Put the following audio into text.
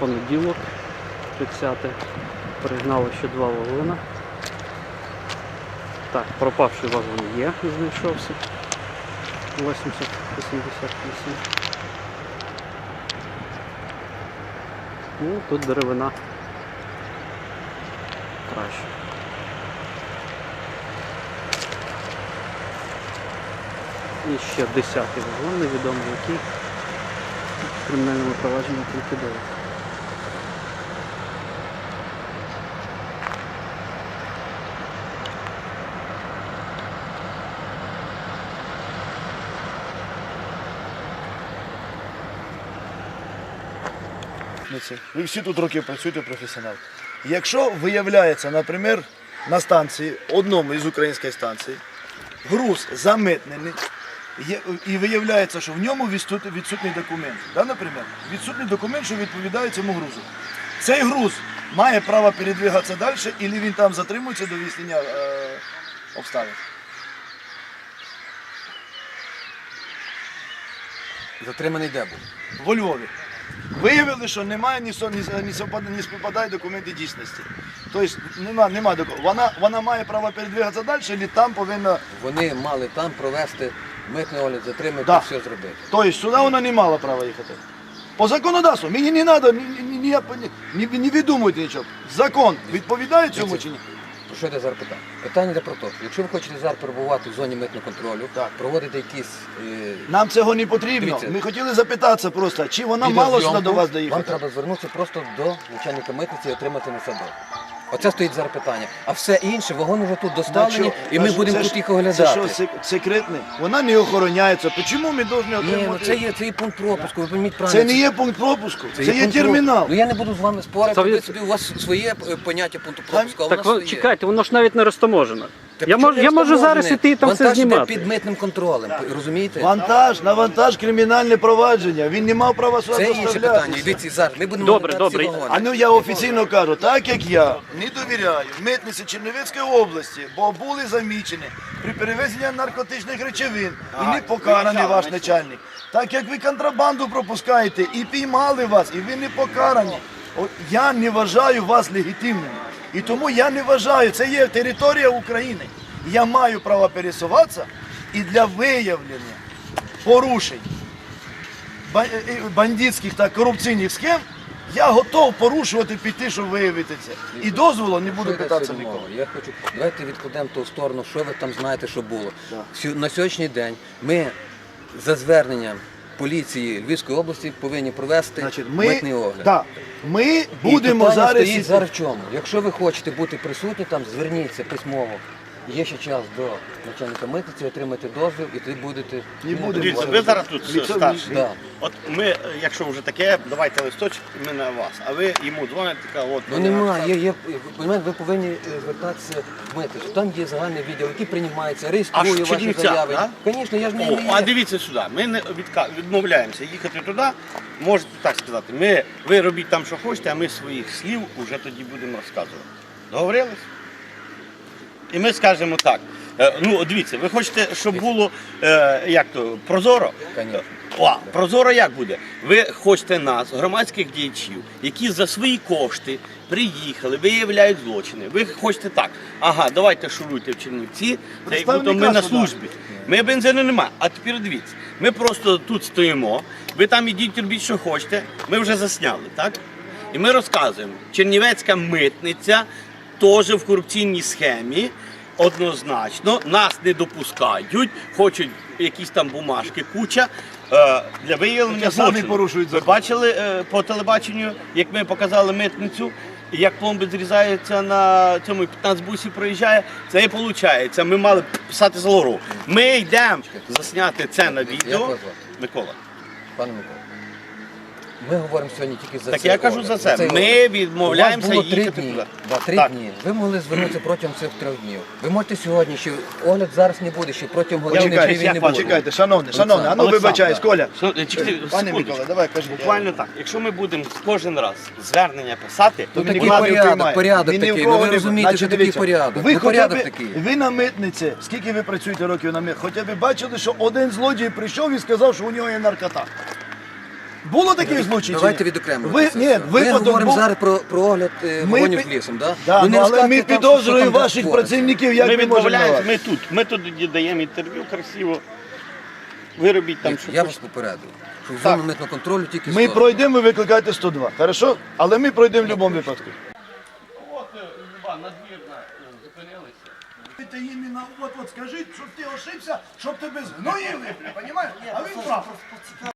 понеділок, 30. Пригнали ще 2 вагона. Так, пропавший вагон є, знайшовся. 80-88. Ну, тут деревина краще. І ще 10-й вагон, невідомо який. В кримінальному провадженні ліквідовується. Ви всі тут років працюєте професіонал. Якщо виявляється, наприклад, на станції, одному із українських станцій, груз замитнений, і виявляється, що в ньому відсутній документ. Да, наприклад, відсутній документ, що відповідає цьому грузу. Цей груз має право передвигатися далі, або він там затримується до вияснення обставин. Затриманий де був? Во Львові. Виявили, що немає, не співпадає документи дійсності. Тобто нема документів. Вона має право передвигатися далі, або там повинна... Вони мали там провести митний огляд, затримати, Да. все зробити. Тобто сюди вона не мала права їхати. По законодавству, мені не треба, не видумуйте нічого. Закон відповідає цьому чи ні? Про що йде зараз питання? Питання йде про те, що якщо ви хочете зараз перебувати в зоні митного контролю, Так. проводити якісь Нам цього не потрібно. Дивіться. Ми хотіли запитатися просто, чи вона мала сюди до вас вам доїхати. треба звернутися просто до начальника митниці і отримати на себе. Оце стоїть зараз питання. А все інше, вагони вже тут доставлені, і ми будемо тут їх оглядати. Це що, секретне? Вона не охороняється. Чому ми повинні Ні, ну отримати? це є пункт пропуску, ви пойміть правильно. Це не є пункт пропуску, це є пункт термінал. пропуску. Ну я не буду з вами спорити, Це ви собі, у вас своє поняття пункту пропуску, а у Так нас ви, своє. чекайте, воно ж навіть не розтаможено. Так Я чому можу не зараз встановлене? іти і там все Вантаж іде знімати. під митним контролем, розумієте? На вантаж кримінальне провадження. Він не мав права сюди Це інше питання. доставлятися. Дивіться, зараз ми будемо Добре, оглядати ці добре. вагони. А ну я офіційно кажу, так як я не довіряю митниці Чернівецької області, бо були замічені при перевезенні наркотичних речовин і не покараний ваш начальник. Так як ви контрабанду пропускаєте і піймали вас, і ви не покарані, я не вважаю вас легітимним. І тому я не вважаю, це є територія України. Я маю право пересуватися і для виявлення порушень бандитських та корупційних схем я готов порушувати, піти, щоб виявити це. І дозволу не буду Що йде питатися сьогодні нікого. мова? Я хочу, давайте відкладемо ту сторону, що ви там знаєте, що було. На сьогоднішній день ми за зверненням поліції Львівської області повинні провести Значить, митний огляд. да, ми І будемо питання зараз... стоїть зараз в чому? Якщо ви хочете бути присутні там, зверніться письмово. Є ще час до начальника митниці, отримати дозвіл і тоді будете... Не будемо. Дивіться, ви зараз тут старший. Да. От ми, якщо вже таке, давайте листочок, ми на вас. А ви йому дзвоните, така, от... Ну немає, ви повинні звертатися в митницю. Там є загальний відділ, який приймається, реєструє Аж в ваші Чернівцях, заяви. да? Звісно, я ж не О, а дивіться сюди, ми не відмовляємося їхати туди, можете так сказати. Ви робіть там, що хочете, а ми своїх слів вже тоді будемо розказувати. Договорились? І ми скажемо так. Ну, дивіться, ви хочете, щоб було як то, прозоро? Конечно. Прозоро як буде? Ви хочете нас, громадських діячів, які за свої кошти приїхали, виявляють злочини. Ви хочете так. Ага, давайте шуруйте в Чернівці, це як будто ми на службі. Ми бензину немає. А тепер дивіться, ми просто тут стоїмо, ви там ідіть, робіть, що хочете, ми вже засняли, так? І ми розказуємо, Чернівецька митниця теж в корупційній схемі, однозначно, нас не допускають, хочуть якісь там бумажки, куча для виявлення Самі злочину. порушують Ви закон. бачили по телебаченню, як ми показали митницю, як пломби зрізаються на цьому 15 бусів проїжджає, це і виходить. Ми мали писати з лору. Ми йдемо засняти це на Як відео. вас звати? Микола. Пане Микола, ми говоримо сьогодні тільки за Так це. я кажу за це. цей Ми огляд. відмовляємося У вас було 3 їхати дні. туди. Да, 3 Так. дні. Ви могли звернутися протягом цих 3 днів. Ви можете сьогодні, ще огляд зараз не буде, ще протягом години Почекайте, чи він не буде. почекайте, шановний, а ну Олександр, вибачаюсь, Коля. Пане Пане Микола, давай, кажи. Буквально так. Якщо ми будемо кожен раз звернення писати, Ну, Він такий нікого не приймає. порядок Він ні в такий. кого Ну, ви не- розумієте, Значить, що такий дивіться, порядок. Ви Ну, хоча порядок б, такий. ви на митниці, скільки ви працюєте років на митниці, хоча б бачили, що один злодій прийшов і сказав, що у нього є наркота. Було таких злочинів? Давайте відокремлювати Ви, це ні, все. Ми випадок говоримо був. зараз про огляд вогонів пі- лісом, да? Да, Ви не ну, але ми розказуйте там, що підозрюємо там ваших твориться. працівників, як Ми ми можемо відмовляємося, на вас. ми тут даємо інтерв'ю красиво. Ви робіть там, що Я вас хочете. попередив, що в зону митного контролю тільки Ми 100. пройдемо, ви викликайте 102, хорошо? Але ми пройдемо в будь-якому випадку. От, Люба, надвірна, зупинилися. Ти іменно от скажіть, щоб ти ошибся, щоб тебе згноїли, розумієш? А він прав.